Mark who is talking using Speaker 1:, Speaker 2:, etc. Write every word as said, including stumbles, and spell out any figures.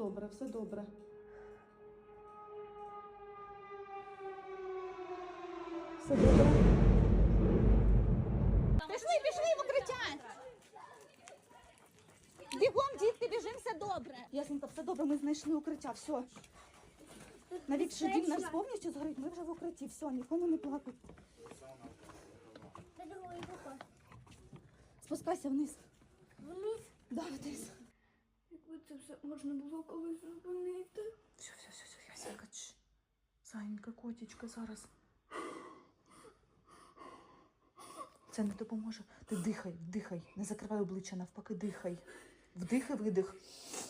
Speaker 1: добре, все добре. Все добре.
Speaker 2: Пішли, пішли в укриття! Бігом, дітки, біжим, все добре.
Speaker 1: Ясненько, все добре, ми знайшли укриття, все. Навіть що дім наш повністю згорить, ми вже в укритті, все, нікому не плакать. Спускайся вниз.
Speaker 3: Вниз?
Speaker 1: Да, вниз.
Speaker 3: Якби це все можна було колись зупинити.
Speaker 1: Все, все, все, все, Ясенька, чш. Зайенька, котічка, зараз. Це не допоможе. Ти дихай, дихай, не закривай обличчя, навпаки, дихай. Вдих і видих.